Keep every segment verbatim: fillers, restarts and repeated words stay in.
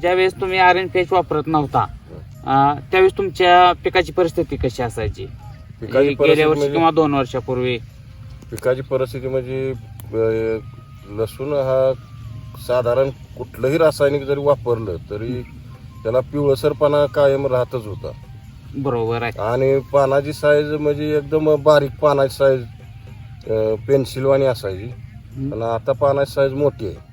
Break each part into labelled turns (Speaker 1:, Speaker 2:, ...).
Speaker 1: ज्यावेळेस तुम्ही R N P H वापरत नव्हता अं, त्यावेळेस तुमच्या पिकाची परिस्थिती कशी असायची?
Speaker 2: पिकाची
Speaker 1: गेल्या
Speaker 2: परिस्थिती
Speaker 1: वर्षी
Speaker 2: म्हणजे
Speaker 1: किंवा दोन वर्षापूर्वी?
Speaker 2: पिकाची परिस्थिती म्हणजे अं, लसूण हा साधारण कुठलंही रासायनिक जरी वापरलं तरी त्याला पिवळसरपणा कायम राहतच होता.
Speaker 1: बरोबर आहे.
Speaker 2: आणि पानाची साईज म्हणजे एकदम बारीक पानाची साईज पेन्सिलवाणी असायची. पण आता पानाची साईज मोठी आहे.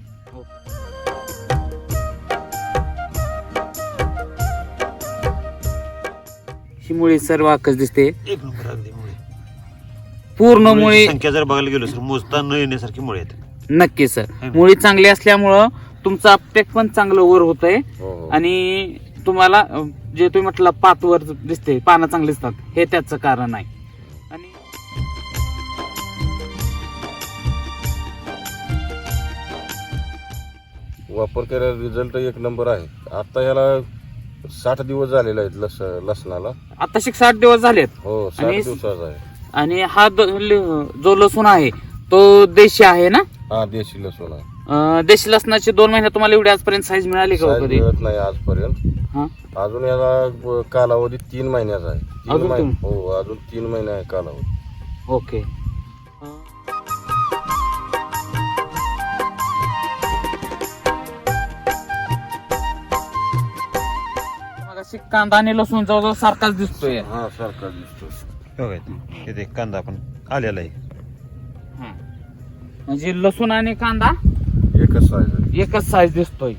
Speaker 1: ही मुळी सर्व आकच दिसते,
Speaker 3: एक नंबर अगदी मुळे.
Speaker 1: पूर्ण
Speaker 3: मुळीची
Speaker 1: मुळी.
Speaker 3: संख्या जर बघायला गेलो सर मोजता न येण्यासारखी मुळे आहेत.
Speaker 1: नक्की सर, मुळी चांगली असल्यामुळं तुमचं अपटेक पण चांगलं वर होत आहे.
Speaker 2: हो, हो.
Speaker 1: आणि तुम्हाला अं, जे तुम्ही म्हटलं पात वर दिसते, पानं चांगली दिसतात, हे त्याचं कारण आहे. आणि
Speaker 2: वापर केलेला रिझल्ट एक नंबर आहे. आता ह्याला साठ दिवस झालेले आहेत लस लसणाला.
Speaker 1: आता शिक साठ दिवस झालेत.
Speaker 2: हो, साठ
Speaker 1: आणि-
Speaker 2: दिवसाचा आहे.
Speaker 1: आणि हा द- ल- जो लसूण आहे तो देशी आहे ना?
Speaker 2: हा, देशी लसूण आहे.
Speaker 1: अं, देशी लसणाची दोन महिने तुम्हाला एवढी आजपर्यंत साईज मिळाली का हो
Speaker 2: साईज
Speaker 1: कधी?
Speaker 2: मिळत नाही आजपर्यंत.
Speaker 1: हा,
Speaker 2: अजून याला ब- कालावधी तीन महिन्याचा आहे. तीन
Speaker 1: अजून
Speaker 2: महिने
Speaker 1: तीन?
Speaker 2: हो, अजून तीन महिने आहे कालावधी.
Speaker 1: ओके. मगाशी कांदा आणि लसूण जवळजवळ सारखाच दिसतोय.
Speaker 2: हा, सारखा दिसतो.
Speaker 3: बघा इथे एक कांदा आपण आलेला आहे.
Speaker 1: हा. म्हणजे लसूण आणि कांदा
Speaker 2: एकच साईज आहे.
Speaker 1: एकच साईज दिसतोय.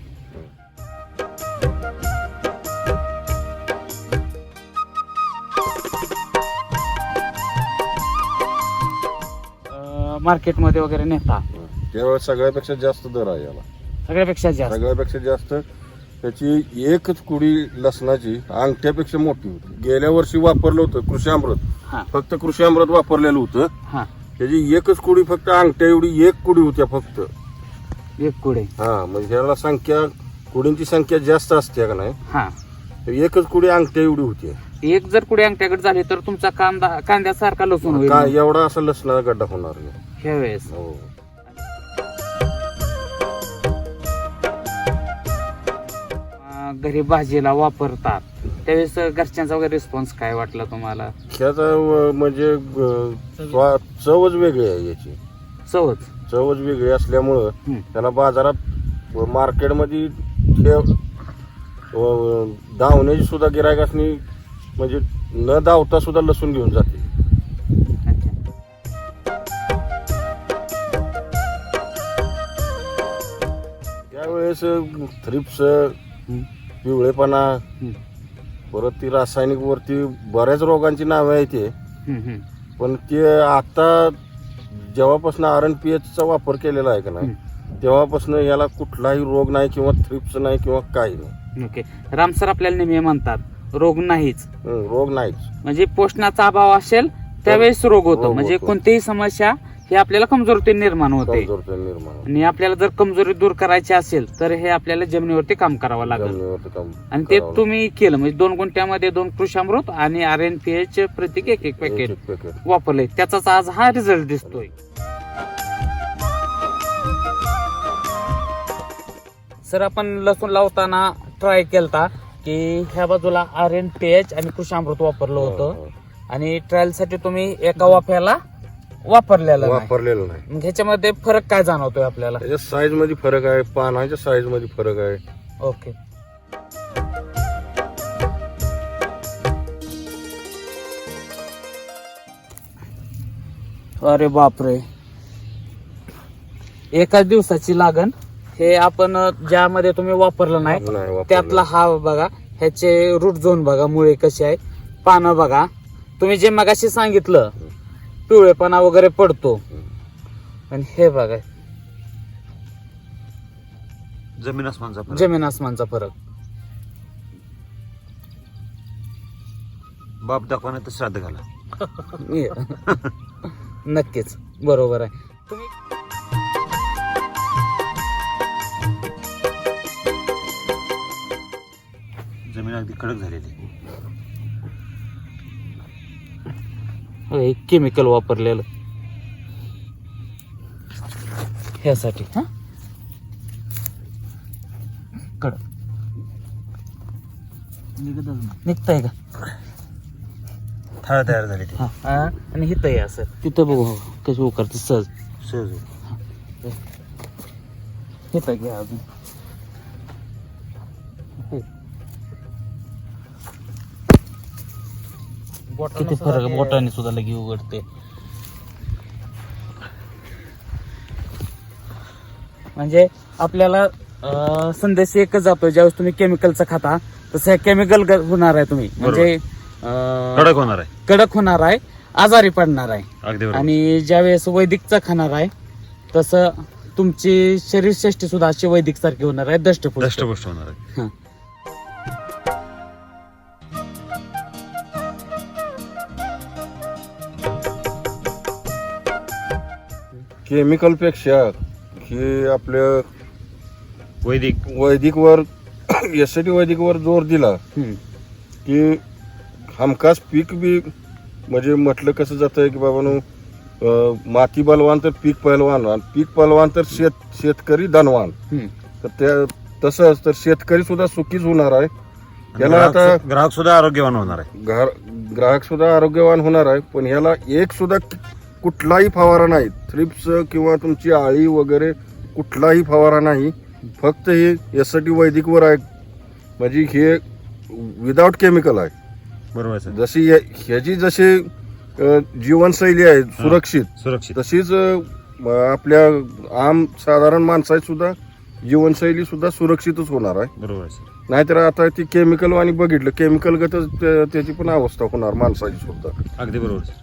Speaker 1: मार्केटमध्ये वगैरे नेता
Speaker 2: त्यावेळेस सगळ्यापेक्षा जास्त दर आहे याला.
Speaker 1: सगळ्यापेक्षा जास्त.
Speaker 2: सगळ्यापेक्षा जास्त त्याची एकच कुडी लसणाची अंगठ्यापेक्षा मोठी होती. गेल्या वर्षी वापरलं होतं कृषी अमृत.
Speaker 1: हा
Speaker 2: फक्त कृषी अमृत वापरलेलं होतं.
Speaker 1: हा,
Speaker 2: त्याची एकच कुडी फक्त अंगठ्या एवढी एक कुडी होत्या फक्त.
Speaker 1: एक कुडे.
Speaker 2: हा, म्हणजे ह्याला संख्या कुडींची संख्या जास्त असते का नाही,
Speaker 1: हा,
Speaker 2: तर एकच कुडी अंगठ्या एवढी होती.
Speaker 1: एक जर कुडे अंगठ्याकडे झाली तर तुमचा कांदा कांद्यासारखा लसूण होईल
Speaker 2: का एवढा असा लसणाचा गड्डा होणार नाही.
Speaker 1: ह्या वेळेस.
Speaker 2: हो.
Speaker 1: अं, घरी भाजीला वापरतात त्यावेळेस घरच्यांचा वगैरे रिस्पॉन्स काय वाटला तुम्हाला?
Speaker 2: ह्याचा व- म्हणजे अं, स्वा- चवच वेगळी आहे याची.
Speaker 1: सहज.
Speaker 2: चवच वेगळी असल्यामुळं
Speaker 1: हम्म.
Speaker 2: त्याला बाजारात व मार्केटमध्ये ठेव व- धावण्याची सुद्धा गिरायकासनी म्हणजे न धावता सुद्धा लसूण घेऊन जाते.
Speaker 1: अच्छा.
Speaker 2: त्यावेळेस थ्रिप्स,
Speaker 1: हम्म.
Speaker 2: पिवळेपणा,
Speaker 1: हम्म.
Speaker 2: परत ती रासायनिक वरती बऱ्याच रोगांची नावे आहेत ते.
Speaker 1: हम्म, हम्म.
Speaker 2: पण ते आता जेव्हापासून आर एन पी एचचा वापर केलेला आहे का नाही, तेव्हापासून याला कुठलाही रोग नाही किंवा थ्रिप्स नाही किंवा काही नाही.
Speaker 1: ओके. राम सर आपल्याला नेहमी म्हणतात रोग नाहीच,
Speaker 2: हं, रोग नाहीच.
Speaker 1: म्हणजे पोषणाचा अभाव असेल त्यावेळेस रोग होतो.
Speaker 2: रोग
Speaker 1: म्हणजे
Speaker 2: होतो.
Speaker 1: कोणतीही समस्या ही आपल्याला कमजोरीतून निर्माण होते.
Speaker 2: कमजोरता निर्माण होते.
Speaker 1: आणि आपल्याला जर कमजोरी दूर करायची असेल तर हे आपल्याला जमिनीवरती काम करावं लागेल.
Speaker 2: जमिनीवरती काम
Speaker 1: आणि ते
Speaker 2: करावं
Speaker 1: तुम्ही केलं म्हणजे दोन गुंठ्यामध्ये दोन कृषामृत आणि आर एन पी एच प्रत्येक एक एक
Speaker 2: लागतं.
Speaker 1: पॅकेट
Speaker 2: एक- एक पॅकेट.
Speaker 1: वापरले, त्याचाच आज हा रिझल्ट दिसतोय. सर आपण लसूण लावताना ट्राय केलता की ह्या बाजूला आर एन पी एच आणि कृषामृत वापरलं होतं.
Speaker 2: हो, हो.
Speaker 1: आणि ट्रायल साठी तुम्ही एका वाफ्याला वापरलेलं नाही.
Speaker 2: वापरलेलं नाही.
Speaker 1: मग ह्याच्यामध्ये फरक काय जाणवतोय आपल्याला?
Speaker 2: त्याच्या साईज मध्ये फरक आहे, पानाच्या साईज मध्ये फरक आहे.
Speaker 1: ओके. अरे बापरे, एकाच दिवसाची लागण. हे आपण ज्यामध्ये तुम्ही वापरलं नाही
Speaker 2: नाही वापरलेलं.
Speaker 1: त्यातला हा बघा, ह्याचे रूट झोन बघा, मुळे कसे आहे, पानं बघा. तुम्ही जे मगाशी सांगितलं पिवळेपणा वगैरे पडतो, आणि हे बघा
Speaker 3: जमीन आसमानचा फरक.
Speaker 1: जमीन आसमानचा फरक.
Speaker 3: बाप दाखवा नाही तर श्राद्ध घाला.
Speaker 1: नक्कीच बरोबर आहे. तुम्ही
Speaker 3: जमीन अगदी कडक झालेली.
Speaker 1: केमिकल वापरलेलं ह्यासाठी. हा कडक निघतंय का
Speaker 3: थाळ तयार झाली ती
Speaker 1: हा हा. आणि हिथं आहे असं तिथं बघू कसं उकरते सहज
Speaker 3: सहज
Speaker 1: हिथं घ्या अजून किती फरक आहे, बोटाने सुद्धा लगी उघडते. म्हणजे आपल्याला अं, संदेश एकच जातो, ज्यावेळेस तुम्ही केमिकलचं खाता तसं केमिकल होणार आहे तुम्ही, म्हणजे अं,
Speaker 3: कडक होणार आहे,
Speaker 1: कडक होणार आहे, आजारी पडणार आहे.
Speaker 3: अगदी बरोबर.
Speaker 1: आणि ज्यावेळेस वैदिकचं खाणार आहे तसं तुमची शरीरश्रेष्ठी सुद्धा अशी वैदिक सारखी होणार आहे, दष्टपुष्ट.
Speaker 3: दष्टपुष्ट होणार आहे.
Speaker 1: हं.
Speaker 2: केमिकल पेक्षा हे आपल्या
Speaker 3: वैदिक
Speaker 2: वैदिकवर यासाठी वैदिकवर जोर दिला
Speaker 1: हं.
Speaker 2: की हमखास पीक बी म्हणजे म्हटलं कसं जातं की बाबांनो अं, माती बलवान तर पीक पहलवान आणि पीक पहलवान तर शेत शेतकरी धनवान.
Speaker 1: हं.
Speaker 2: तर त्या तसंच तर शेतकरी सुद्धा सुखीच होणार आहे. याला
Speaker 3: ग्राहक
Speaker 2: आता
Speaker 3: ग्राहक सुद्धा आरोग्यवान होणार आहे.
Speaker 2: ग्राहक ग्राहक सुद्धा आरोग्यवान होणार आहे. पण ह्याला एक सुद्धा कुठलाही फवारा नाही, थ्रिप्स किंवा तुमची आळी वगैरे कुठलाही फवारा नाही. फक्त हे यासाठी वैदिकवर आहे, म्हणजे हे विदाउट केमिकल आहे.
Speaker 3: बरोबर आहे सर.
Speaker 2: जशी या- ह्याची जशी अ, जीवनशैली आहे सुरक्षित,
Speaker 3: सुरक्षित
Speaker 2: तशीच अ, आपल्या आम साधारण माणसाची सुद्धा जीवनशैली सुद्धा सुरक्षितच होणार आहे.
Speaker 3: बरोबर आहे सर.
Speaker 2: नाहीतर आता ती केमिकल वाणी बघितलं केमिकल गतच त्या- त्याची पण अवस्था होणार माणसाची सुद्धा.
Speaker 3: अगदी बरोबर सर.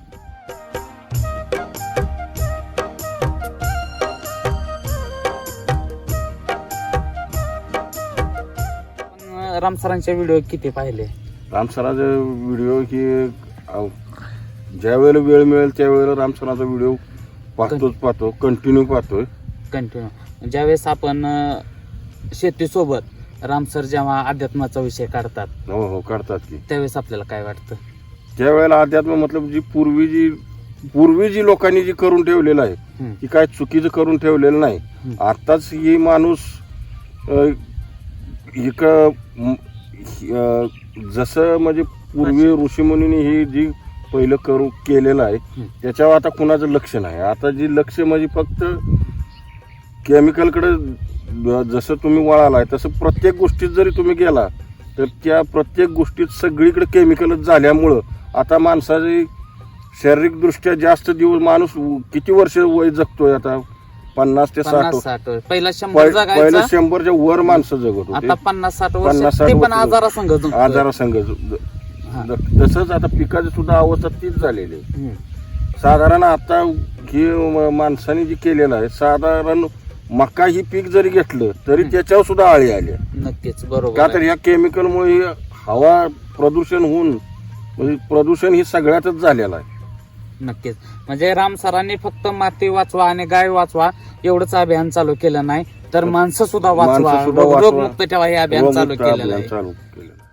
Speaker 1: पण रामसरांचे व्हिडिओ किती पाहिले?
Speaker 2: रामसराचा व्हिडिओ ही अ, ज्या वेळेला वेळ मिळेल त्यावेळेला रामसराचा व्हिडिओ पाहतोच पाहतो, कंटिन्यू पाहतोय.
Speaker 1: कंटिन्यू ज्यावेळेस आपण अं, शेतीसोबत रामसर जेव्हा अध्यात्माचा विषय काढतात
Speaker 2: हो हो काढतात की
Speaker 1: त्यावेळेस आपल्याला काय वाटतं?
Speaker 2: त्यावेळेला अध्यात्म मतलब जी पूर्वी जी पूर्वी जी लोकांनी जी करून ठेवलेलं आहे
Speaker 1: हं.
Speaker 2: ती काय चुकीचं करून ठेवलेलं नाही.
Speaker 1: हं.
Speaker 2: आताच ही माणूस अ, एक म, अ, जसं म्हणजे पूर्वी ऋषीमुनींनी ही जी पहिलं करू केलेलं आहे
Speaker 1: हं.
Speaker 2: त्याच्यावर आता कुणाचं लक्ष नाही. आता जी लक्ष म्हणजे फक्त केमिकलकडे जसं तुम्ही वळालाय तसं प्रत्येक गोष्टीत जरी तुम्ही गेला तर त्या प्रत्येक गोष्टीत सगळीकडे केमिकलच झाल्यामुळं आता माणसाची शारीरिकदृष्ट्या जास्त दिवस माणूस किती वर्ष वय जगतोय आता? पन्नास ते साठ
Speaker 1: पन्नास साठ वर्ष. पहिला शंभर
Speaker 2: पहि- पहिलं
Speaker 1: जगायचा,
Speaker 2: शंभरच्या वर माणसं जगत
Speaker 1: आता
Speaker 2: होते
Speaker 1: पन्नास साठ
Speaker 2: पन्नास
Speaker 1: वर्ष
Speaker 2: साठ
Speaker 1: ते पण
Speaker 2: वर्ष.
Speaker 1: आजारा संघ
Speaker 2: आजारासंग
Speaker 1: हा.
Speaker 2: तसंच आता पिकाची सुद्धा अवस्था तीच झालेली आहे.
Speaker 1: हं.
Speaker 2: साधारण आता ही म- माणसाने जी केलेलं आहे साधारण मका ही पीक जरी घेतलं तरी
Speaker 1: हं.
Speaker 2: त्याच्यावर सुद्धा आळी आली आहे.
Speaker 1: नक्कीच बरोबर
Speaker 2: का तर
Speaker 1: आहे.
Speaker 2: ह्या केमिकलमुळे हवा प्रदूषण होऊन म्हणजे प्रदूषण ही सगळ्यातच झालेलं आहे.
Speaker 1: नक्कीच म्हणजे राम सरांनी फक्त माती वाचवा आणि गाय वाचवा एवढंच अभियान चालू केलं नाही तर माणसं सुद्धा वाचवा,
Speaker 2: माणसं सुद्धा
Speaker 1: रोग-
Speaker 2: वाचवा.
Speaker 1: रोगमुक्त ठेवा हे अभियान चालू
Speaker 2: रोगमुक्त
Speaker 1: केलेलं
Speaker 2: अभियान
Speaker 1: आहे.
Speaker 2: चालू केलेलं आहे.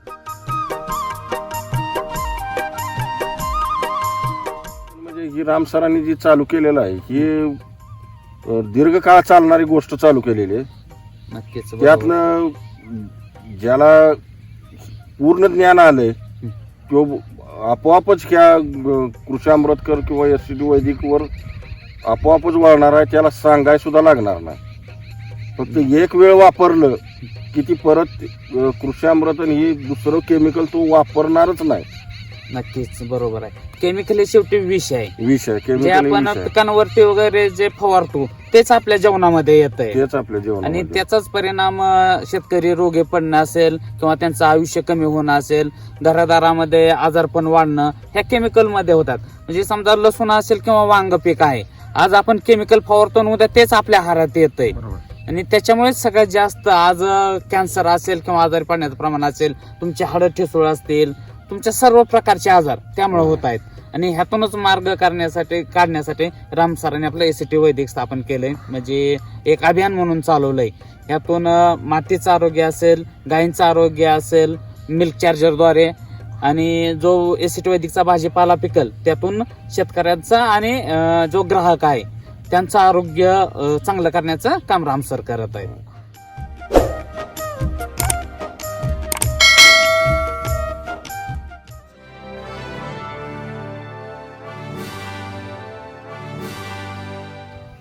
Speaker 2: म्हणजे ही राम सरांनी जी चालू केलेलं आहे ही अ, दीर्घकाळ चालणारी गोष्ट चालू केलेली आहे.
Speaker 1: नक्कीच बरोबर.
Speaker 2: त्यातनं ज्याला पूर्ण ज्ञान आलंय तो आपोआपच ह्या अ, कृषी अमृतकर किंवा एस सी टी वैदिकवर आपोआपच वळणार आहे. त्याला सांगाय सुद्धा लागणार नाही. फक्त एक वेळ वापरलं की ती परत अ, कृषी अमृतन ही दुसरं केमिकल तो वापरणारच नाही.
Speaker 1: नक्कीच बरोबर आहे. केमिकल हे शेवटी विष आहे.
Speaker 2: विष आहे
Speaker 1: जे
Speaker 2: केमिकल
Speaker 1: आपण
Speaker 2: विष आहे.
Speaker 1: पिकांवरती वगैरे जे फवारतो तेच आपल्या जेवणामध्ये येत आहे
Speaker 2: तेच आपल्या
Speaker 1: आणि
Speaker 2: जेवणामध्ये.
Speaker 1: त्याचाच परिणाम अं, शेतकरी रोगे पडणं असेल किंवा त्यांचं आयुष्य कमी होणं असेल, घरादारामध्ये आजारपण वाढणं ह्या केमिकल मध्ये होतात. म्हणजे समजा लसूण असेल किंवा वांग पीक आहे, आज आपण केमिकल फवारतो आणि उद्या तेच आपल्या आहारात येतंय
Speaker 3: बरोबर.
Speaker 1: आणि त्याच्यामुळेच सगळ्यात जास्त आज कॅन्सर असेल किंवा आजारी पडण्याचं प्रमाण असेल, तुमचे हाडं ठिसूळ असतील, तुमच्या सर्व प्रकारचे आजार त्यामुळे होत आहेत. आणि ह्यातूनच मार्ग करण्यासाठी काढण्यासाठी राम सरांनी आपलं एसीटी वैदिक स्थापन केलंय, म्हणजे एक अभियान म्हणून चालवलंय. ह्यातून अं, मातीचं आरोग्य असेल, गायींचं आरोग्य असेल, मिल्क चार्जरद्वारे आणि जो एसीटी वैदिकचा भाजीपाला पिकल त्यातून शेतकऱ्यांचा आणि अं, जो ग्राहक आहे त्यांचं आरोग्य अं, चांगलं करण्याचं काम राम सर करत आहे.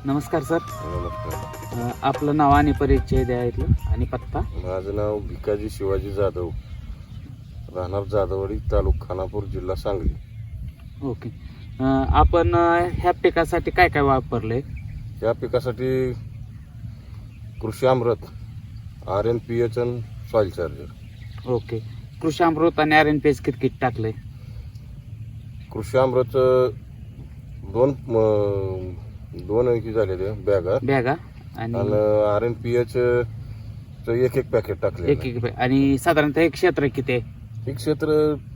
Speaker 1: नमस्कार सर.
Speaker 2: नमस्कार.
Speaker 1: अं, आपलं नाव आणि परिचय द्या इथलं आणि पत्ता.
Speaker 2: माझं नाव भिकाजी शिवाजी जाधव, राहणार जाधववाडी, तालुका खानापूर, जिल्हा सांगली.
Speaker 1: ओके. अं, आपण अं, ह्या पिकासाठी काय काय वापरलंय?
Speaker 2: या पिकासाठी Krishi Amrut, R N P H आणि soil charger.
Speaker 1: Okay. Krishi Amrut आणि R N P H kit kit टाकलंय?
Speaker 2: कृषी अमृत दोन अं, दोन हे झालेले बॅगा
Speaker 1: बॅगा
Speaker 2: आणि
Speaker 1: आणि
Speaker 2: आर एन पी एच एक एक पॅकेट टाकले.
Speaker 1: एक एक बॅग. आणि साधारणतः एक क्षेत्र किती आहे?
Speaker 2: एक क्षेत्र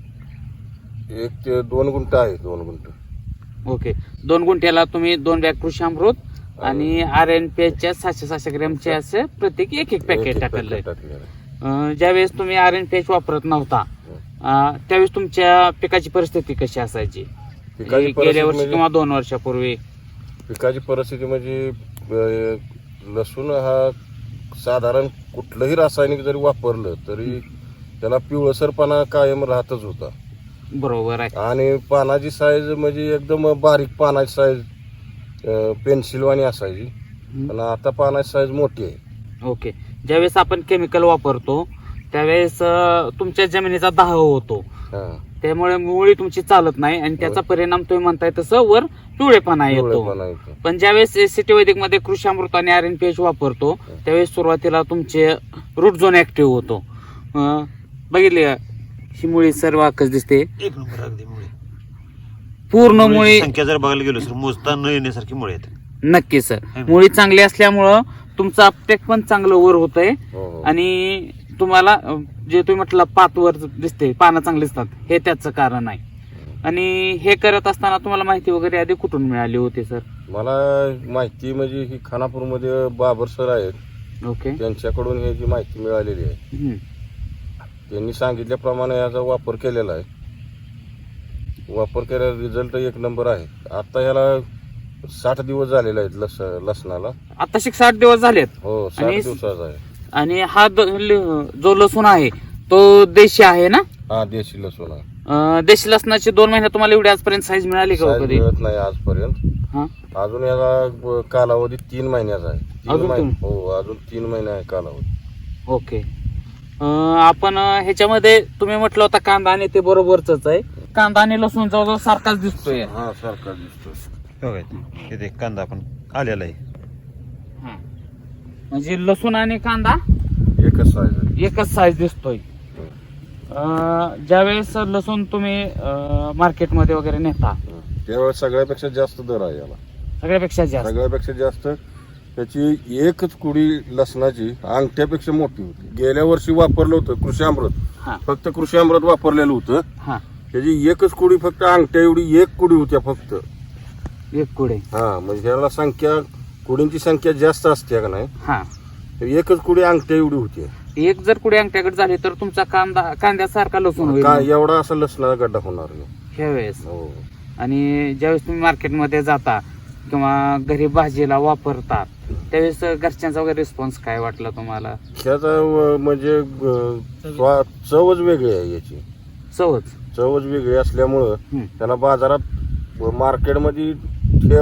Speaker 2: एक ते दोन गुंठ आहे. दोन गुंठ.
Speaker 1: ओके. दोन गुंठ्याला तुम्ही दोन बॅग कृषी अमृत आणि आर एन पी एचच्या सातशे सातशे ग्रॅमचे असे प्रत्येक एक एक पॅकेट टाकलंय. अं, ज्यावेळेस तुम्ही आर एन पी एच वापरत नव्हता अं, त्यावेळेस तुमच्या पिकाची परिस्थिती कशी असायची?
Speaker 2: पिकाची
Speaker 1: गेल्या
Speaker 2: परिस्थिती
Speaker 1: वर्षी
Speaker 2: म्हणजे-
Speaker 1: किंवा दोन वर्षापूर्वी?
Speaker 2: पिकाची परिस्थिती म्हणजे अं, लसूण हा साधारण कुठलंही रासायनिक जरी वापरलं तरी त्याला पिवळसरपणा कायम राहतच होता.
Speaker 1: बरोबर आहे.
Speaker 2: आणि पानाची साईज म्हणजे एकदम बारीक पानाची साईज पेन्सिलवाणी असायची.
Speaker 1: हम्म.
Speaker 2: पण आता पानाची साईज मोठी आहे.
Speaker 1: ओके. ज्यावेळेस आपण केमिकल वापरतो त्यावेळेस अं, तुमच्या जमिनीचा दाह होतो,
Speaker 2: हा.
Speaker 1: त्यामुळे मुळी तुमची चालत नाही आणि त्याचा परिणाम तुम्ही म्हणताय तसं वर पिवळेपणा येतो.
Speaker 2: पिवळेपणा येतो.
Speaker 1: पण ज्यावेळेस एसीटी वैदिक मध्ये कृषी अमृत आणि आर एन पी एच वापरतो त्यावेळेस सुरुवातीला तुमचे रूट झोन ऍक्टिव्ह होतो. अं, बघितले का? ही मुळी सर्व आकच दिसते,
Speaker 3: एक नंबर अगदी मुळे.
Speaker 1: पूर्ण मुळी.
Speaker 3: संख्या जर बघायला गेलो सर मोजता न येण्यासारखी मुळे आहेत.
Speaker 1: नक्की सर. मुळी चांगली असल्यामुळं तुमचं अपटेक पण चांगलं वर होतंय
Speaker 2: हो, हो.
Speaker 1: आणि तुम्हाला अं, जे तुम्ही म्हटलं पातवर दिसते, पानं चांगली दिसतात, हे त्याचं कारण आहे. आणि हे करत असताना तुम्हाला माहिती वगैरे आधी कुठून मिळाली होती सर?
Speaker 2: मला माहिती म्हणजे ही खानापूरमध्ये बाबर सर आहेत,
Speaker 1: ओके.
Speaker 2: त्यांच्याकडून हे जी माहिती मिळालेली आहे
Speaker 1: हम्म.
Speaker 2: त्यांनी सांगितल्याप्रमाणे याचा वापर केलेला आहे. वापर केलेला रिझल्ट एक नंबर आहे. आता ह्याला साठ दिवस झालेले आहेत लस लसणाला.
Speaker 1: आता शिक साठ दिवस झालेत.
Speaker 2: हो, साठ
Speaker 1: आणि-
Speaker 2: दिवसाचा आहे.
Speaker 1: आणि हा द- ल- जो लसूण आहे तो देशी आहे ना?
Speaker 2: हा, देशी लसूण आहे.
Speaker 1: अं, देशी लसणाची दोन महिने तुम्हाला एवढी आजपर्यंत साईज मिळाली का हो
Speaker 2: साईज
Speaker 1: कधी?
Speaker 2: मिळत नाही आजपर्यंत.
Speaker 1: हा.
Speaker 2: अजून याला ब- कालावधी तीन महिन्याचा आहे. तीन
Speaker 1: अजून
Speaker 2: महिने.
Speaker 1: तीन?
Speaker 2: हो, अजून तीन महिने आहे कालावधी.
Speaker 1: ओके. अं, आपण अं, ह्याच्यामध्ये तुम्ही म्हटलं होता कांदा आणि ते बरोबरच आहे. कांदा आणि लसूण जवळजवळ सारखाच दिसतोय.
Speaker 2: हा, सारखा दिसतो.
Speaker 3: बघा इथे कांदा आपण आलेला आहे.
Speaker 1: हा. म्हणजे लसूण आणि कांदा
Speaker 2: एकच साईज आहे.
Speaker 1: एकच साईज दिसतोय. अं, ज्यावेळेस लसूण तुम्ही अं, मार्केटमध्ये वगैरे नेता
Speaker 2: त्यावेळेस सगळ्यापेक्षा जास्त दर आहे याला.
Speaker 1: सगळ्यापेक्षा जास्त.
Speaker 2: सगळ्यापेक्षा जास्त त्याची एकच कुडी लसणाची अंगठ्यापेक्षा मोठी होती. गेल्या वर्षी वापरलं होतं कृषी अमृत,
Speaker 1: हा
Speaker 2: फक्त कृषी अमृत वापरलेलं होतं.
Speaker 1: हा.
Speaker 2: त्याची एकच कुडी फक्त अंगठ्या एवढी एक कुडी होत्या फक्त.
Speaker 1: एक कुडे.
Speaker 2: हा, म्हणजे याला संख्या कुडींची संख्या जास्त असते का नाही,
Speaker 1: हा.
Speaker 2: तर एकच कुडी अंगठ्या एवढी होती.
Speaker 1: एक जर कुडे अंगठ्याकडे झाली तर तुमचा कांदा कांद्यासारखा लसूण होईल
Speaker 2: का एवढा असा लसणाचा गड्डा होणार नाही.
Speaker 1: ह्या वेळेस.
Speaker 2: हो.
Speaker 1: आणि ज्यावेळेस तुम्ही मार्केटमध्ये जाता किंवा घरी भाजीला वापरता त्यावेळेस घरच्यांचा वगैरे रिस्पॉन्स काय वाटला तुम्हाला?
Speaker 2: ह्याचा व- म्हणजे अं, स्वा- चवच वेगळी आहे याची.
Speaker 1: सहज.
Speaker 2: चवच वेगळी असल्यामुळं
Speaker 1: हम्म.
Speaker 2: त्याला बाजारात व मार्केटमध्ये ठेव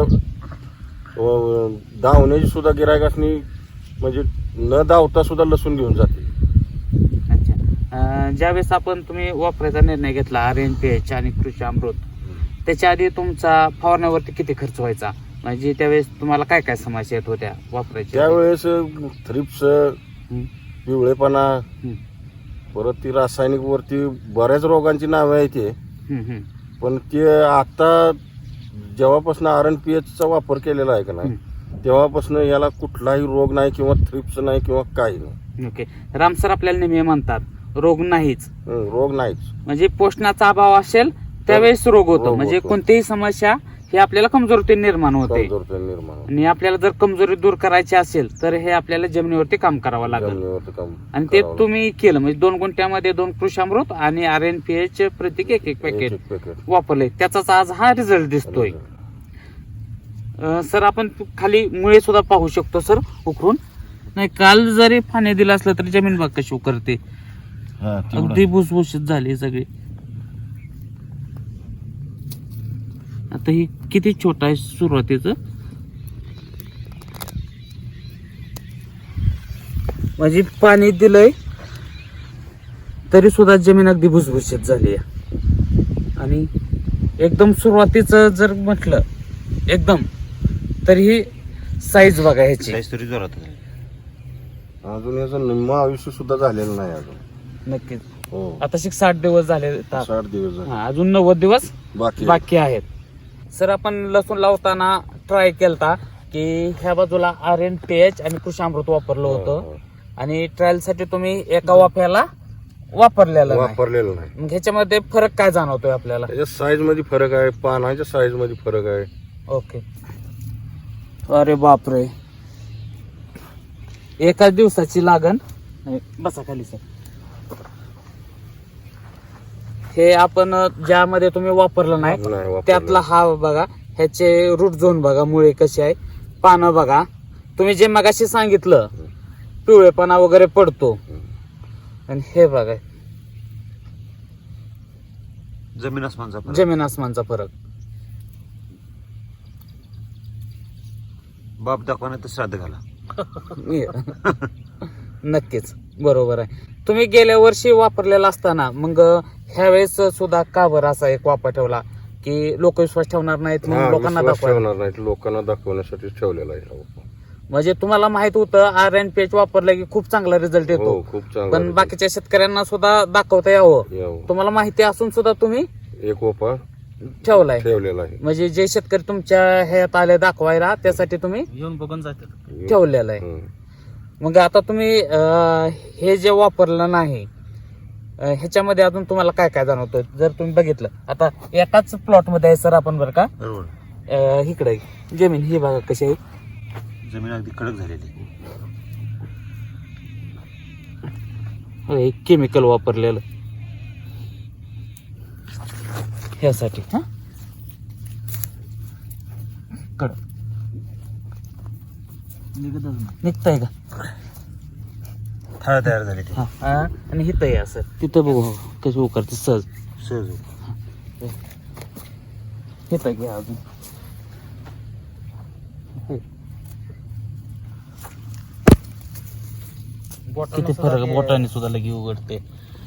Speaker 2: व धावण्याची सुद्धा गिरायकासनी म्हणजे न धावता सुद्धा लसूण घेऊन जाते.
Speaker 1: अच्छा. अं, ज्यावेळेस आपण तुम्ही वापरायचा निर्णय घेतला आर एन पी एच आणि कृषी अमृत, त्याच्या आधी तुमचा फवारण्यावरती किती खर्च व्हायचा? म्हणजे त्यावेळेस तुम्हाला काय काय समस्या येत होत्या वापरायच्या?
Speaker 2: त्यावेळेस थ्रिप्स,
Speaker 1: हम्म.
Speaker 2: पिवळेपणा,
Speaker 1: हम्म.
Speaker 2: परत ती रासायनिक वरती बऱ्याच रोगांची नावे आहेत ते.
Speaker 1: हम्म, हम्म.
Speaker 2: पण ते आता जेव्हापासून आर एन पी एचचा वापर केलेला आहे का नाही तेव्हापासून याला कुठलाही रोग नाही किंवा थ्रिप्स नाही किंवा काही नाही.
Speaker 1: ओके. राम सर आपल्याला नेहमी म्हणतात रोग नाहीच,
Speaker 2: हं, रोग नाहीच.
Speaker 1: म्हणजे पोषणाचा अभाव असेल त्यावेळेस रोग होतो.
Speaker 2: रोग
Speaker 1: म्हणजे
Speaker 2: होतो.
Speaker 1: कोणतीही समस्या ही आपल्याला कमजोरी निर्माण होते
Speaker 2: कमजोरता निर्माण होते.
Speaker 1: आणि आपल्याला जर कमजोरी दूर करायची असेल तर हे आपल्याला जमिनीवरती काम करावं लागेल.
Speaker 2: जमिनीवरती काम
Speaker 1: आणि ते
Speaker 2: करावं
Speaker 1: तुम्ही केलं म्हणजे दोन गुंठ्यामध्ये दोन कृषी अमृत आणि आर एन पी एच प्रत्येक एक एक
Speaker 2: लागतं.
Speaker 1: पॅकेट
Speaker 2: एक- एक पॅकेट.
Speaker 1: वापरले, त्याचाच आज हा रिझल्ट दिसतोय. अं, सर आपण खाली मुळे सुद्धा पाहू शकतो सर उकरून. नाही काल जरी पाणी दिलं असलं तरी जमीन बाग कशी उकरते,
Speaker 2: हा, तेवढं.
Speaker 1: अगदी भुसभुशीत झाली सगळी. आता ही किती छोटा आहे सुरुवातीचं. म्हणजे पाणी दिलंय तरी सुद्धा जमीन अगदी भुसभुशीत झाली आहे. आणि एकदम सुरुवातीचं जर म्हटलं एकदम तर ही साईज बघा ह्याची.
Speaker 3: साईज तरी जोरात झाली.
Speaker 2: अजून याचं निम्म आयुष्य सुद्धा झालेलं नाही अजून.
Speaker 1: नक्कीच.
Speaker 2: हो
Speaker 1: आता शिक साठ दिवस झाले तर
Speaker 2: साठ दिवस झाले.
Speaker 1: हा, अजून नव्वद दिवस
Speaker 2: बाकी
Speaker 1: बाकी आहेत. सर आपण लसूण लावताना ट्राय केलता की ह्या बाजूला आर एन टी एच आणि कृषी अमृत वापरलं होतं
Speaker 2: हो,
Speaker 1: आणि ट्रायल साठी तुम्ही एका वाफ्याला वापरलेलं नाही.
Speaker 2: वापरलेलं नाही.
Speaker 1: मग ह्याच्यामध्ये फरक काय जाणवतोय आपल्याला?
Speaker 2: त्याच्या साईज मध्ये फरक आहे, पानाच्या साईज मध्ये फरक आहे.
Speaker 1: ओके. अरे बापरे, एकाच दिवसाची लागण. बसा खाली सर. हे आपण ज्यामध्ये तुम्ही वापरलं नाही
Speaker 2: नाही वापरलं.
Speaker 1: त्यातला हा बघा, ह्याचे रूट झोन बघा, मुळे कशी आहे, पानं बघा. तुम्ही जे मगाशी सांगितलं पिवळेपणा वगैरे पडतो आणि हे बघा
Speaker 3: जमीन आसमानचा फरक.
Speaker 1: जमीन आसमानचा फरक.
Speaker 3: बाप दाखवण्यात तर श्राद्ध घाला.
Speaker 1: नक्कीच बरोबर आहे. तुम्ही गेल्या वर्षी वापरलेला असताना मग ह्या वेळेस सुद्धा का बरं असा एक वापर ठेवला की लोक विश्वास ठेवणार नाहीत म्हणून
Speaker 2: हा,
Speaker 1: लोकांना
Speaker 2: विश्वास
Speaker 1: दाखवा?
Speaker 2: ठेवणार नाही, लोकांना दाखवण्यासाठी ठेवलेला आहे.
Speaker 1: म्हणजे तुम्हाला माहित होतं आर एन पी एच वापरलं की खूप चांगला रिझल्ट येतो,
Speaker 2: हो खूप चांगला
Speaker 1: पण
Speaker 2: result.
Speaker 1: बाकीच्या शेतकऱ्यांना सुद्धा दाखवता यावं
Speaker 2: यावं.
Speaker 1: तुम्हाला माहिती असून सुद्धा तुम्ही
Speaker 2: एक ओपा
Speaker 1: ठेवलाय.
Speaker 2: ठेवलेला आहे.
Speaker 1: म्हणजे जे शेतकरी तुमच्या ह्यात आले दाखवायला त्यासाठी तुम्ही
Speaker 4: येऊन बघून जातात.
Speaker 1: ठेवलेलं आहे.
Speaker 2: हं.
Speaker 1: मग आता तुम्ही अं, हे जे वापरलं नाही अं, ह्याच्यामध्ये अजून तुम्हाला काय काय जाणवतं जर तुम्ही बघितलं? आता एकाच प्लॉट मध्ये आहे सर आपण बरं का,
Speaker 3: बरोबर.
Speaker 1: अं, इकडे जमीन ही बघा कशी आहे,
Speaker 3: जमीन अगदी कडक झालेली.
Speaker 1: केमिकल वापरलेलं ह्यासाठी. हा कड निघतंय का?
Speaker 3: थाळ तयार झाली ती.
Speaker 1: हा हा. आणि हिथं आहे असं, तिथं बघू कसं उकरते सहज.
Speaker 3: सहज.
Speaker 1: हिथं घ्या अजून. किती फरक, बोटाने सुद्धा लगी उघडते.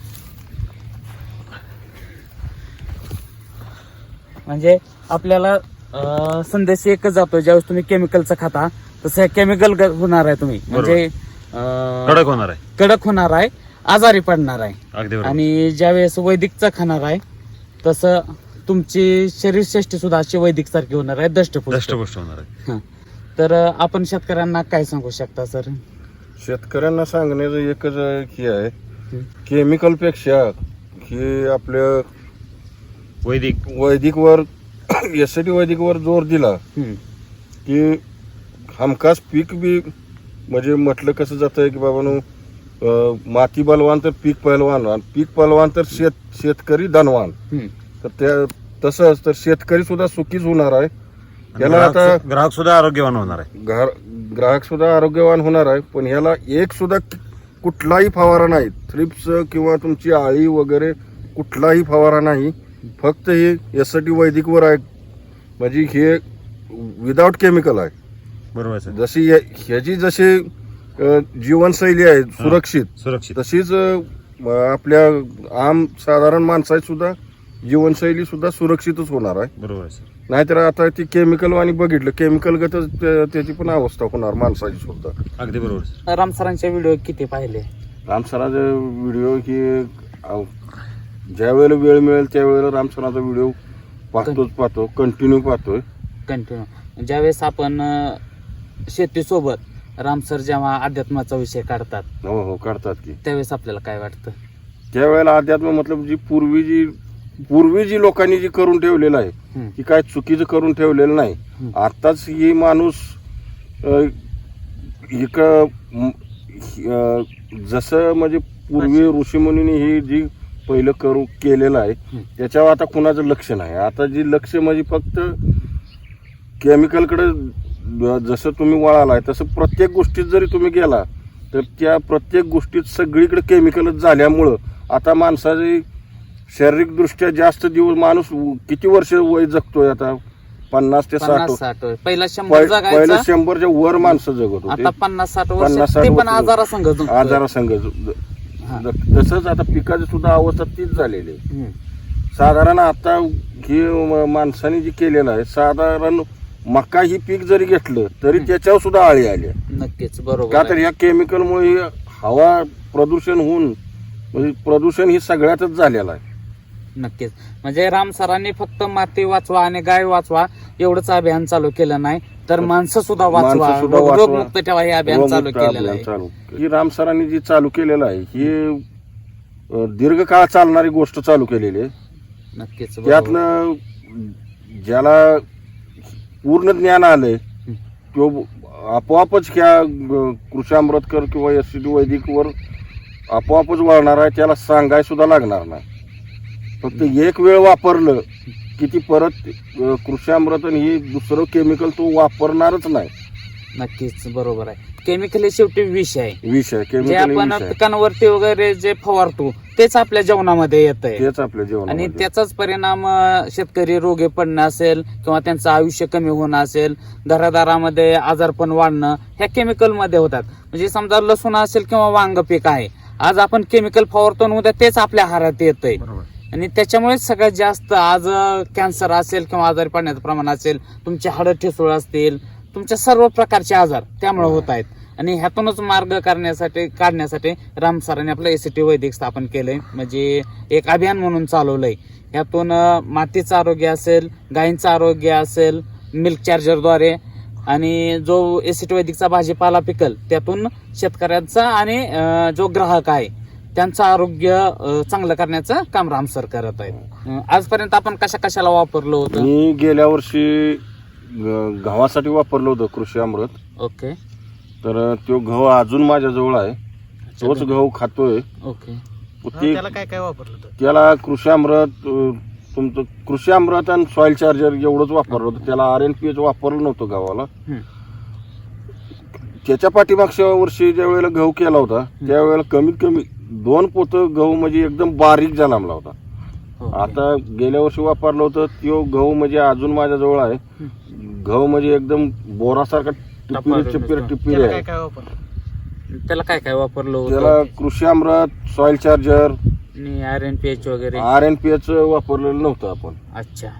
Speaker 1: म्हणजे आपल्याला अं, संदेश एकच जातो, ज्यावेळेस तुम्ही केमिकलचं खाता तसं केमिकल होणार आहे तुम्ही, म्हणजे अं,
Speaker 3: कडक होणार आहे.
Speaker 1: कडक होणार आहे, आजारी पडणार आहे.
Speaker 3: अगदी बरोबर.
Speaker 1: आणि ज्यावेळेस वैदिकचं खाणार आहे तसं तुमची शरीरसृष्टी सुद्धा अशी वैदिक सारखी होणार आहे, दष्टपुष्ट.
Speaker 3: दष्टपुष्ट होणार आहे.
Speaker 1: हं. तर अं, आपण शेतकऱ्यांना काय सांगू शकता सर?
Speaker 2: शेतकऱ्यांना सांगण्याचं एकच हे आहे,
Speaker 1: हं.
Speaker 2: केमिकल पेक्षा हे आपल्या
Speaker 3: वैदिक
Speaker 2: वैदिकवर यासाठी वैदिकवर जोर दिला
Speaker 1: हं.
Speaker 2: की हमखास पीक बी, म्हणजे म्हटलं कसं जातं की बाबांनो, अं, माती बलवान तर पीक पहलवान, आणि पीक पहलवान तर शेत शेतकरी धनवान.
Speaker 1: हं.
Speaker 2: तर त्या तसंच तर शेतकरी सुद्धा सुखीच होणार आहे. याला
Speaker 3: ग्राहक
Speaker 2: आता
Speaker 3: सु- ग्राहक सुद्धा आरोग्यवान होणार आहे.
Speaker 2: ग्राहक ग्राहक सुद्धा आरोग्यवान होणार आहे. पण ह्याला एक सुद्धा कुठलाही फवारा नाही, थ्रिप्स किंवा तुमची आळी वगैरे कुठलाही फवारा नाही. फक्त हे यासाठी वैदिकवर आहे, म्हणजे हे विदाउट केमिकल आहे.
Speaker 3: बरोबर आहे सर.
Speaker 2: जशी या- ह्याची जशी अ, जीवनशैली आहे सुरक्षित,
Speaker 3: सुरक्षित.
Speaker 2: तशीच अ, आपल्या आम साधारण माणसाची सुद्धा जीवनशैली सुद्धा सुरक्षितच होणार आहे.
Speaker 3: बरोबर आहे सर.
Speaker 2: नाहीतर आता ती केमिकल वाणी बघितलं, केमिकल गतच त्या- त्याची पण अवस्था होणार माणसाची सुद्धा.
Speaker 3: अगदी बरोबर सर.
Speaker 1: राम सरांचे व्हिडिओ किती पाहिले?
Speaker 2: रामसराचा व्हिडिओ ही अ, ज्या वेळेला वेळ मिळेल त्यावेळेला रामसराचा व्हिडिओ पाहतोच पाहतो, कंटिन्यू पाहतोय.
Speaker 1: कंटिन्यू. ज्यावेळेस आपण अं, शेतीसोबत राम सर जेव्हा अध्यात्माचा विषय काढतात
Speaker 2: हो हो काढतात की.
Speaker 1: त्यावेळेस आपल्याला काय वाटतं?
Speaker 2: त्यावेळेला अध्यात्म मतलब जी पूर्वी जी पूर्वी जी लोकांनी जी करून ठेवलेलं आहे
Speaker 1: हं.
Speaker 2: की काय चुकीचं करून ठेवलेलं नाही.
Speaker 1: हं.
Speaker 2: आताच ही माणूस अ, एक म, अ, जसं म्हणजे पूर्वी ऋषीमुनींनी ही जी पहिलं करू केलेलं आहे
Speaker 1: हं.
Speaker 2: त्याच्यावर आता कुणाचं लक्ष नाही. आता जी लक्ष म्हणजे फक्त केमिकलकडे जसं तुम्ही वळालाय तसं प्रत्येक गोष्टीत जरी तुम्ही गेला तर त्या प्रत्येक गोष्टीत सगळीकडे केमिकलच झाल्यामुळं आता माणसाची शारीरिकदृष्ट्या जास्त दिवस, माणूस किती वर्ष वय जगतोय आता पन्नास ते साठ
Speaker 1: पन्नास साठ वर्ष. पहिला शंभर
Speaker 2: पहि- पहिलं
Speaker 1: जगायचा,
Speaker 2: शंभरच्या वर माणसं जगत होते
Speaker 1: आता पन्नास साठ
Speaker 2: पन्नास
Speaker 1: वर्ष
Speaker 2: साठ
Speaker 1: ते पण
Speaker 2: वर्ष.
Speaker 1: आजारासंग
Speaker 2: आजारासंग
Speaker 1: हा.
Speaker 2: तसंच आता पिकाची सुद्धा अवस्था तीच झालेली आहे.
Speaker 1: हम्म.
Speaker 2: साधारण आता ही म- माणसाने जी केलेलं आहे साधारण मका ही पीक जरी घेतलं तरी त्याच्यावर सुद्धा आळी आली आहे.
Speaker 1: नक्कीच
Speaker 2: का
Speaker 1: बरोबर
Speaker 2: तर
Speaker 1: आहे.
Speaker 2: या केमिकलमुळे हवा प्रदूषण होऊन म्हणजे प्रदूषण ही सगळ्यातच झालेलं आहे.
Speaker 1: नक्कीच म्हणजे राम सरांनी फक्त माती वाचवा आणि गाय वाचवा एवढंच अभियान चालू केलं नाही तर माणसं सुद्धा वाचवा,
Speaker 2: माणसं सुद्धा
Speaker 1: रोग-
Speaker 2: वाचवा.
Speaker 1: रोगमुक्त ठेवा हे अभियान चालू
Speaker 2: रोगमुक्त
Speaker 1: केलेलं
Speaker 2: अभियान
Speaker 1: आहे.
Speaker 2: चालू ही राम सरांनी जी चालू केलेलं आहे ही अं, दीर्घकाळ चालणारी गोष्ट चालू केलेली आहे.
Speaker 1: नक्कीच बरोबर.
Speaker 2: त्यातलं ज्याला पूर्ण ज्ञान आलंय तो आपोआपच ह्या ग- कृषी अमृतकर किंवा एस सी टी वैदिक वर आपोआपच वळणार आहे. त्याला सांगाय सुद्धा लागणार नाही. फक्त एक वेळ वापरलं की ती परत अं, कृषी अमृत आणि ही दुसरं केमिकल तो वापरणारच नाही.
Speaker 1: नक्कीच बरोबर आहे. केमिकल हे शेवटी विष आहे.
Speaker 2: विष आहे
Speaker 1: जे
Speaker 2: केमिकल
Speaker 1: आपण
Speaker 2: विष आहे.
Speaker 1: पिकांवरती वगैरे जे फवारतो तेच आपल्या जेवणामध्ये येत आहे
Speaker 2: तेच आपल्या
Speaker 1: आणि
Speaker 2: जेवणामध्ये
Speaker 1: त्याचाच परिणाम अं, शेतकरी रोगे पडणं असेल किंवा त्यांचं आयुष्य कमी होणं असेल, घरादारामध्ये आजारपण वाढणं ह्या केमिकल मध्ये होतात. म्हणजे समजा लसूण असेल किंवा वांग पीक आहे, आज आपण केमिकल फवारतो आणि उद्या तेच आपल्या आहारात येतंय
Speaker 3: बरोबर.
Speaker 1: आणि त्याच्यामुळे सगळ्यात जास्त आज कॅन्सर असेल किंवा आजारी पडण्याचं प्रमाण असेल, तुमचे हाडं ठिसूळ असतील, तुमच्या सर्व प्रकारचे आजार त्यामुळे होत आहेत. आणि ह्यातूनच मार्ग करण्यासाठी काढण्यासाठी राम सरांनी आपलं एसीटी वैदिक स्थापन केलंय, म्हणजे एक अभियान म्हणून चालवलंय. ह्यातून अं, मातीचं आरोग्य असेल, गायींचं आरोग्य असेल, मिल्क चार्जरद्वारे आणि जो एसीटी वैदिकचा भाजीपाला पिकल त्यातून शेतकऱ्यांचा आणि अं, जो ग्राहक आहे त्यांचं आरोग्य अं, चांगलं करण्याचं काम राम सर करत आहेत. अं, आजपर्यंत आपण कशा कशाला वापरलं होतं?
Speaker 2: मी गेल्या वर्षी ग- गव्हासाठी वापरलं होतं कृषी अमृत.
Speaker 1: ओके
Speaker 2: तर तो गहू अजून माझ्याजवळ आहे. तोच गहू खातोय.
Speaker 1: ओके
Speaker 2: ती-
Speaker 4: त्याला काय काय वापरलं होतं?
Speaker 2: त्याला कृषी अमृत अं, तुमचं कृषी अमृत आणि सॉइल चार्जर एवढंच वापरलं होतं. त्याला आर एन पी एच वापरलं नव्हतं गव्हाला.
Speaker 1: हम्म.
Speaker 2: त्याच्या पाठीमागच्या वर्षी ज्या वेळेला गहू केला होता त्यावेळेला कमीत कमी दोन पोतं गहू म्हणजे एकदम बारीक जलामला होता.
Speaker 1: ओके.
Speaker 2: आता गेल्या वर्षी वापरलं होतं तो गहू म्हणजे अजून माझ्याजवळ आहे. गहू म्हणजे एकदम बोरासारखा टिपिरी
Speaker 1: टपार-
Speaker 2: टिपिरी टिपिरी
Speaker 4: त्याला काय
Speaker 2: आहे.
Speaker 4: काय वापरलं?
Speaker 1: त्याला काय काय वापरलं
Speaker 2: त्याला
Speaker 1: होतं?
Speaker 2: कृषी अमृत सॉइल चार्जर
Speaker 1: आणि आर एन पी एच वगैरे.
Speaker 2: आर एन पी एच वापरलेलं नव्हतं आपण.
Speaker 1: अच्छा.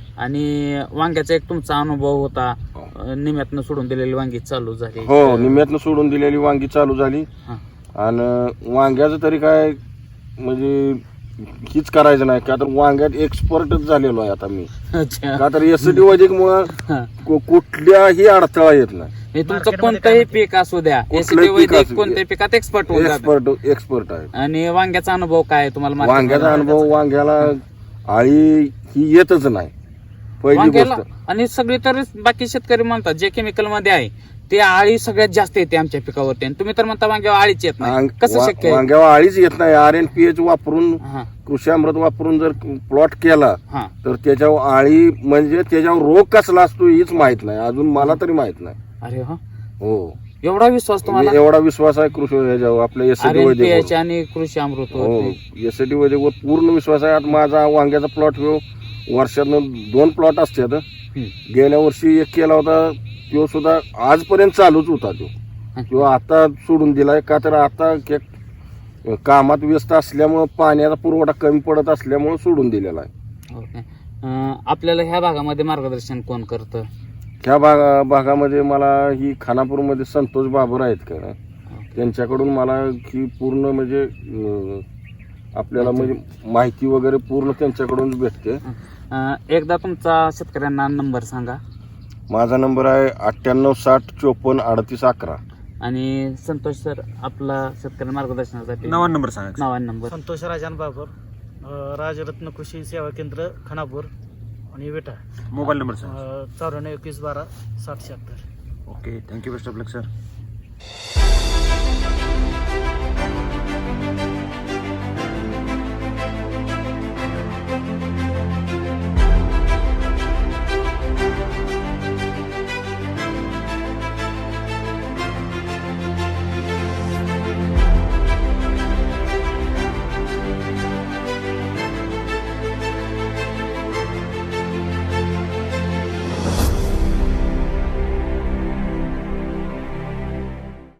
Speaker 1: आणि वांग्याचा एक तुमचा अनुभव होता, अं, निम्यातनं सोडून दिलेली वांगी चालू झाली.
Speaker 2: हो निम्यातनं सोडून दिलेली वांगी चालू झाली.
Speaker 1: हा.
Speaker 2: आणि वांग्याचं तरी काय म्हणजे हीच करायचं नाही का तर वांग्यात एक्सपर्टच झालेलो आहे आता मी.
Speaker 1: अच्छा.
Speaker 2: का तर एसटी वैदिक मुळे
Speaker 1: हा.
Speaker 2: कुठल्याही अडथळा येत नाही.
Speaker 1: हे तुमचं
Speaker 4: मार्केटमध्ये
Speaker 1: कोणतंही
Speaker 4: काय
Speaker 1: पीक असू द्या,
Speaker 2: कुठलंही
Speaker 1: एसीटी
Speaker 2: पीक
Speaker 1: वैदिक
Speaker 2: असू दे.
Speaker 1: कोणत्याही पिकात एक्सपर्ट होऊन जातं.
Speaker 2: एक्सपर्ट एक्सपर्ट आहे.
Speaker 1: आणि वांग्याचा अनुभव काय आहे तुम्हाला? market
Speaker 2: वांग्याचा
Speaker 1: मध्ये?
Speaker 2: अनुभव वांग्याला आळी ही येतच नाही पहिली
Speaker 1: वांग्याला
Speaker 2: गोष्ट.
Speaker 1: आणि सगळे तर बाकी शेतकरी म्हणतात जे केमिकल मध्ये आहे ते आळी सगळ्यात जास्त येते आमच्या पिकावरती, आणि तुम्ही तर म्हणता वांग्यावर आळीच येत नाही.
Speaker 2: वांग-
Speaker 1: कसं
Speaker 2: वा-
Speaker 1: शक्य आहे?
Speaker 2: वांग्यावर आळीच येत नाही. आर एन पी एच वापरून
Speaker 1: हा
Speaker 2: कृषी अमृत वापरून जर प्लॉट केला
Speaker 1: हा
Speaker 2: तर त्याच्यावर आळी म्हणजे त्याच्यावर रोग कसला असतो हीच माहित नाही अजून मला तरी माहित नाही.
Speaker 1: अरे हा,
Speaker 2: हो
Speaker 1: एवढा विश्वास तुम्हाला?
Speaker 2: एवढा विश्वास आहे कृषी ह्याच्यावर आपल्या ST
Speaker 1: R N P H
Speaker 2: Vaidik
Speaker 1: आणि कृषी अमृत
Speaker 2: हो
Speaker 1: वरती.
Speaker 2: एसटी वैदिकवर पूर्ण विश्वास आहे. आता माझा वांग्याचा प्लॉट हो वर्षातनं दोन प्लॉट असतात.
Speaker 1: हम्म.
Speaker 2: गेल्या वर्षी एक केला होता तो सुद्धा आजपर्यंत चालूच होता तो. किंवा आता सोडून दिलाय का तर आता के- कामात व्यस्त असल्यामुळं पाण्याचा पुरवठा कमी पडत असल्यामुळं सोडून दिलेला आहे.
Speaker 1: ओके. अं, आपल्याला ह्या भागामध्ये मार्गदर्शन कोण करतं?
Speaker 2: ह्या भागा भागामध्ये मला ही खानापूरमध्ये संतोष बाबर आहेत का
Speaker 1: ओके.
Speaker 2: त्यांच्याकडून मला ही पूर्ण म्हणजे अं, आपल्याला म्हणजे माहिती वगैरे पूर्ण त्यांच्याकडून भेटते.
Speaker 1: अं, एकदा तुमचा शेतकऱ्यांना नंबर सांगा.
Speaker 2: माझा नंबर आहे अठ्ठ्याण्णव साठ चोपन्न अडतीस अकरा.
Speaker 1: आणि संतोष सर आपला शेतकरी मार्गदर्शनासाठी
Speaker 3: नवा नंबर सांगा.
Speaker 1: नावा नंबर.
Speaker 4: संतोष राजान बाबर, अं, राजरत्न कृषी सेवा केंद्र खानापूर आणि विटा.
Speaker 3: मोबाईल नंबर सांगा.
Speaker 4: अं, चौऱ्याण्णव एकवीस बारा साठ शहात्तर.
Speaker 3: Okay, thank you, best of luck sir.